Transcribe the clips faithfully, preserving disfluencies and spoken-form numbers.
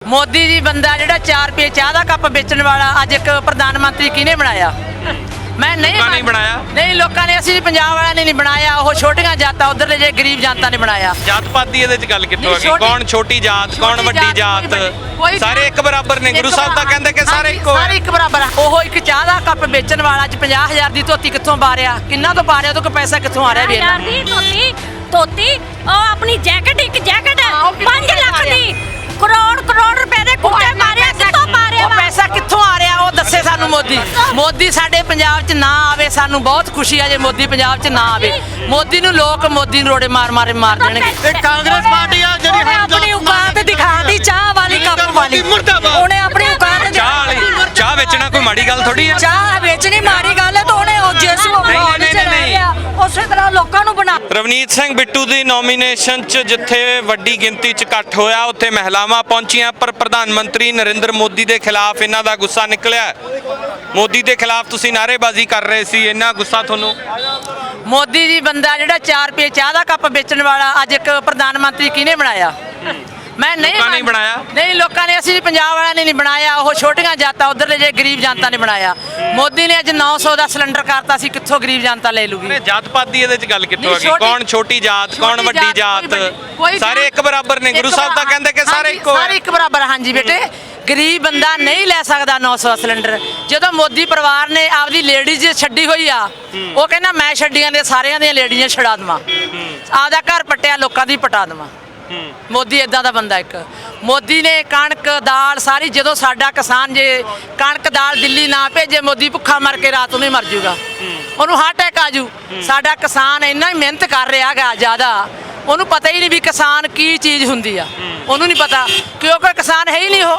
मोदी जी बंदा जिहड़ा चार रुपये चाह का कप बेचण वाला अज एक प्रधानमंत्री किहने बनाया? मैं नहीं नहीं बनाया नहीं लोगों ने असं पंजाब वाले ने नहीं बनाया, वो छोटियां जातां उधर जे गरीब जनता ने बनाया। जात पात दी इहदे च गल कित्थों आ गई? कौन छोटी जात कौन वड्डी जात? सारे एक बराबर ने। गुरु साहब तां कहंदे कि सारे इक्को सारे एक बराबर आ। ओह एक चाह दा कप बेचण वाला च पचास हज़ार दी धोती कित्थों पा रिहा? किन्ना तो पा रिहा? तो कोई पैसा कित्थों आ रिहा? हज़ार दी धोती धोती ओ अपनी जैकेट एक जैकेट पाँच लाख दी करोड़ करोड़ रुपए दे कुत्ते मारे कित्थों पा रिहा? ਉਹ ਪੈਸਾ ਕਿੱਥੋਂ ਆ ਰਿਹਾ ਉਹ ਦੱਸੇ ਸਾਨੂੰ ਮੋਦੀ। ਮੋਦੀ ਸਾਡੇ ਪੰਜਾਬ 'ਚ ਨਾ ਆਵੇ, ਸਾਨੂੰ ਬਹੁਤ ਖੁਸ਼ੀ ਆ ਜੇ ਮੋਦੀ ਪੰਜਾਬ 'ਚ ਨਾ ਆਵੇ। ਮੋਦੀ ਨੂੰ ਲੋਕ ਮੋਦੀ ਨੂੰ ਰੋੜੇ ਮਾਰ ਮਾਰੇ ਮਾਰ ਦੇਣਗੇ। ਇਹ ਕਾਂਗਰਸ ਪਾਰਟੀ ਆ ਜਿਹੜੀ ਉਹਨੇ ਆਪਣੀ ਔਕਾਤ ਦਿਖਾਤੀ ਚਾਹ ਵਾਲੀ ਕੱਪ ਵਾਲੀ। ਉਹਨੇ ਆਪਣੀ ਔਕਾਤ ਚਾਹ ਵਾਲੀ ਚਾਹ ਵੇਚਣਾ ਕੋਈ ਮਾੜੀ ਗੱਲ ਥੋੜੀ ਆ। ਚਾਹ ਵੇਚਣੀ ਮਾੜੀ ਗੱਲ ਹੈ ਤਾਂ ਉਹਨੇ ਉਹ ਜਿਸ ਮਾਹੌਲ 'ਚ ਰਹਿ ਰਿਹਾ ਉਸੇ ਤਰ੍ਹਾਂ ਲੋਕਾਂ ਨੂੰ ਬਣਾ। ਰਵਨੀਤ ਸਿੰਘ ਬਿੱਟੂ ਦੀ ਨੋਮੀਨੇਸ਼ਨ 'ਚ ਜਿੱਥੇ ਵੱਡੀ ਗਿਣਤੀ 'ਚ ਇਕੱਠ ਹੋਇਆ ਉੱਥੇ ਮਹਿਲਾਵਾਂ ਪਹੁੰਚੀਆਂ, ਪਰ ਪ੍ਰਧਾਨ ਮੰਤਰੀ ਨਰਿੰਦਰ ਮੋਦੀ ਦੇ ਖਿਲਾਫ ਇਹਨਾਂ ਦਾ ਗੁੱਸਾ ਨਿਕਲਿਆ। ਮੋਦੀ ਦੇ ਖਿਲਾਫ ਤੁਸੀਂ ਨਾਅਰੇਬਾਜ਼ੀ ਕਰ ਰਹੇ ਸੀ, ਇੰਨਾ ਗੁੱਸਾ ਤੁਹਾਨੂੰ? ਮੋਦੀ ਜੀ ਬੰਦਾ ਜਿਹੜਾ ਚਾਰ ਰੁਪਏ ਚਾਹ ਦਾ ਕੱਪ ਵੇਚਣ ਵਾਲਾ ਅੱਜ ਇੱਕ ਪ੍ਰਧਾਨ ਮੰਤਰੀ ਕਿਹਨੇ ਬਣਾਇਆ? मैं नहीं लोगों ने बनाया नहीं लोगों ने असं पंजाब वाले ने नहीं बनाया, वो छोटियां जातां उधर जे गरीब जनता ने बनाया। मोदी ने अज नौ सौ का सिलेंडर करता सी, कित्थों गरीब जनता ले लूगी? जात पात दी इहदे च गल कित्थों आ गई? कौन छोटी जात कौन वड्डी जात? सारे एक बराबर ने। गुरु साहब तां कहंदे कि सारे इक्को सारे एक बराबर। हाँ जी बेटे, गरीब बंदा नहीं ले सकता नौ सौ सिलेंडर। जो मोदी परिवार ने आपदी लेडीज छड्डी हुई आ, वो कहना मैं छड्डियां ने सारियां दी लेडीज़ छड़ा देवां, आपदा घर पट्टिया लोकां दी पटा देवां। मोदी इदां दा बंदा एक। मोदी ने कणक दाल सारी, जो साडा किसान जे कणक दाल दिल्ली ना भेजे, मोदी भुखा मर के रात में मर जूगा, उन्होंने हार्ट अटैक आजू। साडा किसान इन्ना ही मेहनत कर रहा गा ज़्यादा, उन्होंने पता ही नहीं भी किसान की चीज़ हुंदी आ, उन्होंने नहीं पता क्योंकि किसान है ही नहीं।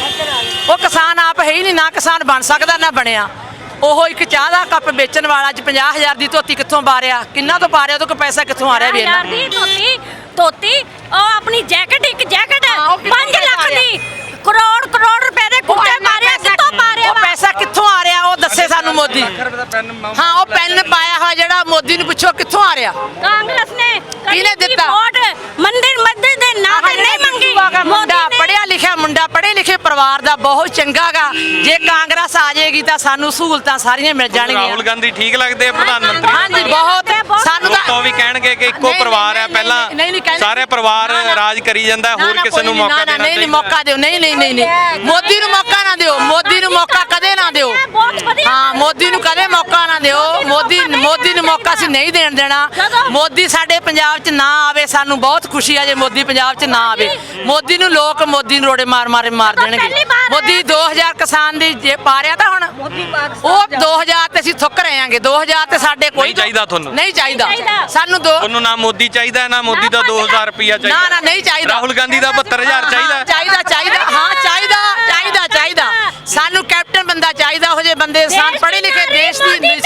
वो वो किसान आप है ही नहीं, ना किसान बन सकता ना बनया। ਉਹ ਇੱਕ ਚਾਹ ਦਾ ਕੱਪ ਵੇਚਣ ਵਾਲਾ ਚ ਪੰਜਾਹ ਹਜ਼ਾਰ ਦੀ ਧੋਤੀ ਕਿੱਥੋਂ ਪਾ ਰਿਹਾ? ਕਿੰਨਾ ਤੋਂ ਪਾ ਰਿਹਾ? ਤੋਂ ਕੋਈ ਪੈਸਾ ਕਿੱਥੋਂ ਆ ਰਿਹਾ? ਵੀ ਹਜ਼ਾਰ ਦੀ ਧੋਤੀ ਧੋਤੀ ਉਹ ਆਪਣੀ ਜੈਕਟ ਇੱਕ ਜੈਕਟ ਪੰਜ ਲੱਖ ਦੀ ਕਰੋੜ ਕਰੋੜ ਰੁਪਏ ਦੇ ਕੁੱਤੇ ਮਾਰਿਆ ਕਿੱਥੋਂ ਪਾ ਰਿਹਾ? ਉਹ ਪੈਸਾ ਕਿੱਥੋਂ ਆ ਰਿਹਾ ਉਹ ਦੱਸੇ ਸਾਨੂੰ ਮੋਦੀ। ਹਾਂ ਉਹ ਪੈਨ ਪਾਇਆ ਹੋਇਆ ਜਿਹੜਾ ਮੋਦੀ ਨੂੰ ਪੁੱਛੋ ਕਿੱਥੋਂ ਆ ਰਿਹਾ? ਕਾਂਗਰਸ ਨੇ ਕਿਹਨੇ ਦਿੱਤਾ? ਵੋਟ ਮੰਦਿਰ ਮੰਦਿਰ ਦੇ ਨਾਂ ਤੇ ਨਹੀਂ ਮੰਗੀ। ਮੁੰਡਾ ਪੜਿਆ ਲਿਖਿਆ ਮੁੰਡਾ ਪੜ੍ਹੇ ਲਿਖੇ ਪਰਿਵਾਰ ਦਾ ਬਹੁਤ ਚੰਗਾ ਗਾ। ਜੇ ਕਾਂਗਰਸ ਆ ਜਾਏਗੀ ਤਾਂ ਸਾਨੂੰ ਸਹੂਲਤਾਂ ਸਾਰੀਆਂ ਮਿਲ ਜਾਣਗੀਆਂ। ਰਾਹੁਲ ਗਾਂਧੀ ਠੀਕ ਲੱਗਦੇ ਆ ਪ੍ਰਧਾਨ ਮੰਤਰੀ? ਹਾਂਜੀ ਬਹੁਤ। ਸਾਨੂੰ ਤਾਂ ਉਹ ਵੀ ਕਹਿਣਗੇ ਕਿ ਇੱਕੋ ਪਰਿਵਾਰ ਹੈ, ਪਹਿਲਾਂ ਸਾਰੇ ਪਰਿਵਾਰ ਰਾਜ ਕਰੀ ਜਾਂਦਾ, ਹੋਰ ਕਿਸੇ ਨੂੰ ਮੌਕਾ ਦੇਣਾ ਨਹੀਂ ਨਹੀਂ ਮੌਕਾ ਦਿਓ। ਨਹੀਂ ਨਹੀਂ ਨਹੀਂ ਨਹੀਂ ਮੋਦੀ ਨੂੰ ਮੌਕਾ ਨਾ ਦਿਓ, ਮੋਦੀ ਨੂੰ ਮੌਕਾ ਕਦੇ ਨਾ ਦਿਓ। ਹਾਂ ਮੋਦੀ ਨੂੰ ਕਦੇ ਮੌਕਾ ਨਾ ਦਿਓ। ਮੋਦੀ ਮੋਦੀ ਨੂੰ ਮੌਕਾ ਅਸੀਂ ਨਹੀਂ ਦੇਣ ਦੇਣਾ। ਮੋਦੀ ਸਾਡੇ ਪੰਜਾਬ 'ਚ ਨਾ ਆਵੇ, ਸਾਨੂੰ ਬਹੁਤ ਖੁਸ਼ੀ ਆ ਜੇ ਮੋਦੀ ਪੰਜਾਬ 'ਚ ਨਾ ਆਵੇ। ਮੋਦੀ ਨੂੰ ਲੋਕ ਮੋਦੀ ਨੂੰ ਰੋੜੇ ਮਾਰ ਮਾਰੇ ਮਾਰ ਦੇਣਗੇ। ਮੋਦੀ ਦੋ ਹਜ਼ਾਰ ਕਿਸਾਨ ਦੀ ਜੇ ਪਾ ਰਿਹਾ ਤਾਂ ਹੁਣ ਉਹ ਦੋ ਹਜ਼ਾਰ ਤੇ ਅਸੀਂ ਥੁੱਕ ਰਹੇ ਆਂਗੇ। ਦੋ ਹਜ਼ਾਰ ਤੇ ਸਾਡੇ ਕੋਈ ਨਹੀਂ ਚਾਹੀਦਾ ਤੁਹਾਨੂੰ? ਨਹੀਂ ਚਾਹੀਦਾ ਸਾਨੂੰ। ਦੋ ਤੁਹਾਨੂੰ ਨਾ ਮੋਦੀ ਚਾਹੀਦਾ ਨਾ ਮੋਦੀ ਦਾ ਦੋ ਹਜ਼ਾਰ ਰੁਪਇਆ ਚਾਹੀਦਾ? ਨਾ ਨਾ ਨਹੀਂ ਚਾਹੀਦਾ। ਰਾਹੁਲ ਗਾਂਧੀ ਦਾ ਬਹੱਤਰ ਹਜ਼ਾਰ ਚਾਹੀਦਾ? ਚਾਹੀਦਾ ਚਾਹੀਦਾ ਹਾਂ ਚਾਹੀਦਾ ਚਾਹੀਦਾ ਚਾਹੀਦਾ। ਸਾਨੂੰ ਕੈਪਟਨ ਬੰਦਾ ਚਾਹੀਦਾ, ਉਹ ਜੇ ਬੰਦੇ ਸਾਨ ਪੜ੍ਹੇ ਲਿਖੇ ਦੇਸ਼ ਦੀ ਦੇਸ਼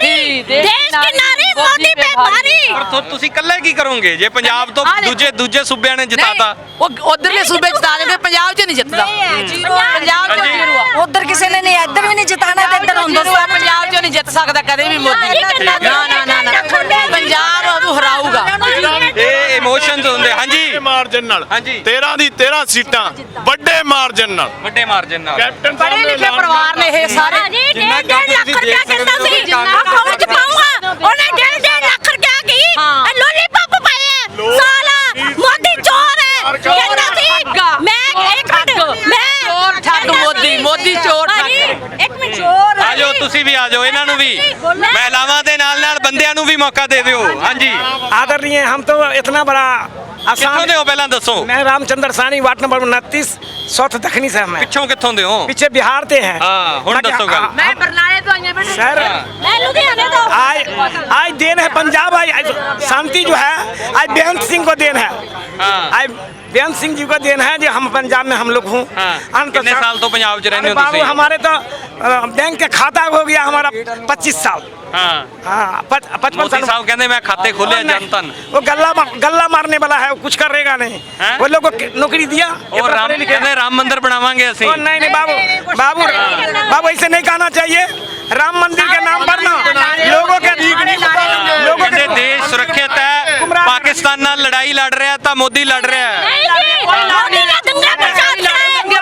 ਕੀ ਨਾਰੀ ਮੋਦੀ ਪੇ ਭਾਰੀ। ਪਰ ਤੁਸੀਂ ਇਕੱਲੇ ਕੀ ਕਰੋਗੇ ਜੇ ਪੰਜਾਬ ਤੋਂ ਦੂਜੇ ਦੂਜੇ ਸੂਬਿਆਂ ਨੇ ਜਿਤਾਤਾ? ਉਹ ਉਧਰਲੇ ਸੂਬੇ ਜਿਤਾ ਦੇਣਗੇ, ਪੰਜਾਬ 'ਚ ਨਹੀਂ ਜਿੱਤਦਾ। ਪੰਜਾਬ 'ਚ ਜ਼ੀਰੋ। ਉਧਰ ਕਿਸੇ ਨੇ ਨਹੀਂ, ਇੱਧਰ ਵੀ ਨਹੀਂ ਜਿਤਾਣਾ ਤੇ ਇੱਧਰ ਹੁੰਦਾ। ਪੰਜਾਬ 'ਚ ਨਹੀਂ ਜਿੱਤ ਸਕਦਾ ਕਦੇ ਵੀ ਮੋਦੀ। ਨਾ ਨਾ ਨਾ ਨਾ ਪੰਜਾਬ ਉਹਨੂੰ ਹਰਾਊਗਾ। ਇਹ ਇਮੋਸ਼ਨਸ ਹੁੰਦੇ। ਹਾਂਜੀ ਮਾਰਜਨ ਨਾਲ ਹਾਂਜੀ ਤੇਰਾਂ ਦੀ ਤੇਰਾਂ ਸੀਟਾਂ ਵੱਡੇ ਮਾਰਜਨ ਨਾਲ, ਵੱਡੇ ਮਾਰਜਨ ਨਾਲ। ਕੈਪਟਨ ਪੜ੍ਹੇ ਲਿਖੇ ਪਰਿਵਾਰ ਨੇ ਇਹ ਸਾਰੇ। ਜਿੰਨਾ ਡੇਢ ਲੱਖ ਰੁਪਇਆ ਕਹਿੰਦਾ ਸੀ ਅਕਾਊਂਟ 'ਚ ਪਾਊਗਾ, ਉਹਨੇ ਡੇਢ ਡੇਢ ਲੱਖ ਰੁਪਇਆ ਕੀ ਲੋਲੀਪੌਪ ਪਾਏ। ਸਾਲਾ ਮੋਦੀ ਚੋਰ ਹੈ ਕਹਿੰਦਾ ਸੀ। ਮੈਂ ਇੱਕ ਮਿੰਟ ਮੈਂ ਚੋਰ ਠੱਗ ਮੋਦੀ ਮੋਦੀ ਚੋਰ ਠੱਗ। ਇੱਕ ਮਿੰਟ ਚੋਰ ਆ ਜਾਓ ਤੁਸੀਂ ਵੀ ਆ ਜਾਓ, ਇਹਨਾਂ ਨੂੰ ਵੀ ਮਹਿਲਾਵਾਂ ਦੇ ਨਾਲ ਨਾਲ ਬੰਦਿਆਂ ਨੂੰ ਵੀ ਮੌਕਾ ਦੇ ਦਿਓ। ਹਾਂਜੀ आदरणीय, हम तो इतना बड़ा ਕਿੱਥੋਂ ਦੇ ਹੋ ਪਹਿਲਾਂ ਦੱਸੋ? मैं रामचंद्र सानी वार्ड नंबर उनतीस सौथ दखनी से मैं ਪਿੱਛੋਂ ਕਿੱਥੋਂ ਦੇ ਹੋ? पीछे बिहार से हैं। हाँ, हुण दसो गल। मैं बरनाले तो आई बेटा सर मैं लुधियाने तो आज आज देन है पंजाब, आज आज शांति जो है आज बेअंत सिंह को देन है। हाँ। आज बेअंत सिंह जी को देन है जो हम पंजाब में हम लोग हूँ। हाँ। कितने साल तो पंजाब च रहने हो बाबू? तुसी? हमारे तो अ, बैंक का खाता हो गया हमारा पच्चीस साल। हाँ हाँ पचपन मोदी साल। साहब कहते मैं खाते खोले जनतन। वो गल्ला गल्ला मारने वाला है, वो कुछ करेगा नहीं। हैं? वो लोग को नौकरी दिया और राम कहते राम मंदिर बनावांगे ओ, ਅਸੀਂ। नहीं नहीं बाबू बाबू बाबू ऐसे नहीं कहना चाहिए। राम मंदिर के नाम पर ना लोगों के लोगों ਕਹਿੰਦੇ के ਦੇਸ਼ ਸੁਰੱਖਿਅਤ ਹੈ, ਪਾਕਿਸਤਾਨ ਨਾਲ ਲੜਾਈ ਲੜ ਰਿਹਾ ਤਾਂ ਮੋਦੀ ਲੜ ਰਿਹਾ ਹੈ। नहीं जी मोदी ने दंगा प्रचार किया है।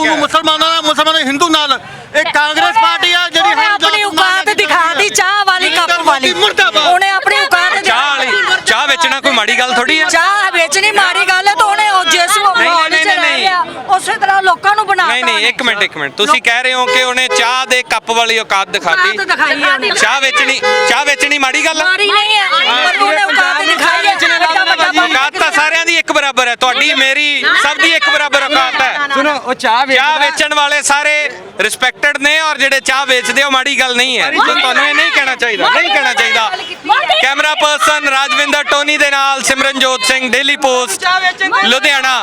ਹੈ। ਮੁਸਲਮਾਨਾਂ ਨਾਲ ਮੁਸਲਮਾਨ ਹਿੰਦੂ ਨਾਲ ਇਹ ਕਾਂਗਰਸ ਪਾਰਟੀ ਆ ਜਿਹੜੀ ਉਹਨੇ ਆਪਣੀ ਔਕਾਤ ਦਿਖਾਤੀ ਚਾਹ ਵਾਲੀ ਕੱਪ ਵਾਲੀ ਮੁਰਦਾਬਾਦ। ਉਹਨੇ ਆਪਣੀ ਔਕਾਤ ਚਾਹ ਵਾਲੀ ਚਾਹ ਵੇਚਣਾ ਕੋਈ ਮਾੜੀ ਗੱਲ ਥੋੜੀ ਹੈ। ਚਾਹ ਵੇਚਣੀ ਮਾੜੀ ਗੱਲ ਹੈ ਤਾਂ ਉਹਨੇ ਉਹ ਜਿਸ ਮਾਹੌਲ ਨਹੀਂ, 'ਚ ਨਹੀਂ, ਰਹਿ ਨਹੀਂ। ਰਿਹਾ ਉਸੇ ਤਰ੍ਹਾਂ ਲੋਕਾਂ ਨੂੰ ਬਣਾਤਾ ਨਹੀਂ ਨਹੀਂ ਇੱਕ ਮਿੰਟ ਇੱਕ ਮਿੰਟ ਤੁਸੀਂ ਕਹਿ ਰਹੇ ਹੋ ਕਿ ਉਹਨੇ ਚਾਹ ਦੇ ਕੱਪ ਵਾਲੀ ਔਕਾਤ ਦਿਖਾਤੀ। ਔਕਾਤ ਦਿਖਾਈ ਹੈ ਉਹਨੇ। ਚਾਹ ਵੇਚਣੀ ਚਾਹ ਵੇਚਣੀ ਮਾੜੀ ਗੱਲ ਹੈ। ਮਾੜੀ ਨਹੀਂ ਹੈ ਪਰ ਉਹਨੇ ਔਕਾਤ ਦਿਖਾਈ ਹੈ ਐਡਾ ਵੱਡਾ ਬੰਦਾ। ਔਕਾਤ ਤਾਂ ਸਾਰਿਆਂ ਦੀ ਇੱਕ ਬਰਾਬਰ ਹੈ, ਤੁਹਾਡੀ ਮੇਰੀ ਸਭ ਦੀ ਇੱਕ ਬਰਾਬਰ ਔਕਾਤ ਹੈ। सुनो वो चाह ਚਾਹ ਵੇਚਣ ਵਾਲੇ ਸਾਰੇ ਰਿਸਪੈਕਟਡ ਨੇ ਔਰ ਜਿਹੜੇ ਚਾਹ ਵੇਚਦੇ ਉਹ ਮਾੜੀ ਗੱਲ ਨਹੀਂ ਹੈ। ਤਾਂ ਤੁਹਾਨੂੰ ਇਹ ਨਹੀਂ ਕਹਿਣਾ ਚਾਹੀਦਾ ਨਹੀਂ ਕਹਿਣਾ ਚਾਹੀਦਾ। ਕੈਮਰਾ ਪਰਸਨ ਰਾਜਵਿੰਦਰ ਟੋਨੀ ਦੇ ਨਾਲ Simranjot Singh, daily post, Ludhiana.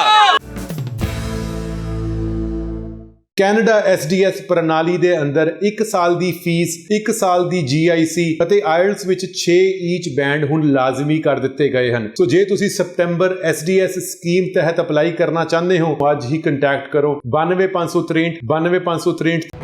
Canada S D S ਪ੍ਰਣਾਲੀ ਦੇ ਅੰਦਰ ਇੱਕ ਸਾਲ ਦੀ ਫੀਸ, ਇੱਕ ਸਾਲ ਦੀ ਜੀ ਆਈ ਸੀ ਅਤੇ ਆਇਲਟਸ ਵਿੱਚ ਛੇ ਈਚ ਬੈਂਡ ਹੁਣ ਲਾਜ਼ਮੀ ਕਰ ਦਿੱਤੇ ਗਏ ਹਨ। ਸੋ ਜੇ ਤੁਸੀਂ ਸਤੰਬਰ ਐਸ ਡੀ ਐਸ ਸਕੀਮ ਤਹਿਤ ਅਪਲਾਈ ਕਰਨਾ ਚਾਹੁੰਦੇ ਹੋ, ਅੱਜ ਹੀ ਕੰਟੈਕਟ ਕਰੋ ਬਾਨਵੇਂ ਪੰਜ ਸੌ ਤ੍ਰੇਹਠ ਬਾਨਵੇਂ ਪੰਜ ਸੌ ਤ੍ਰੇਹਠ।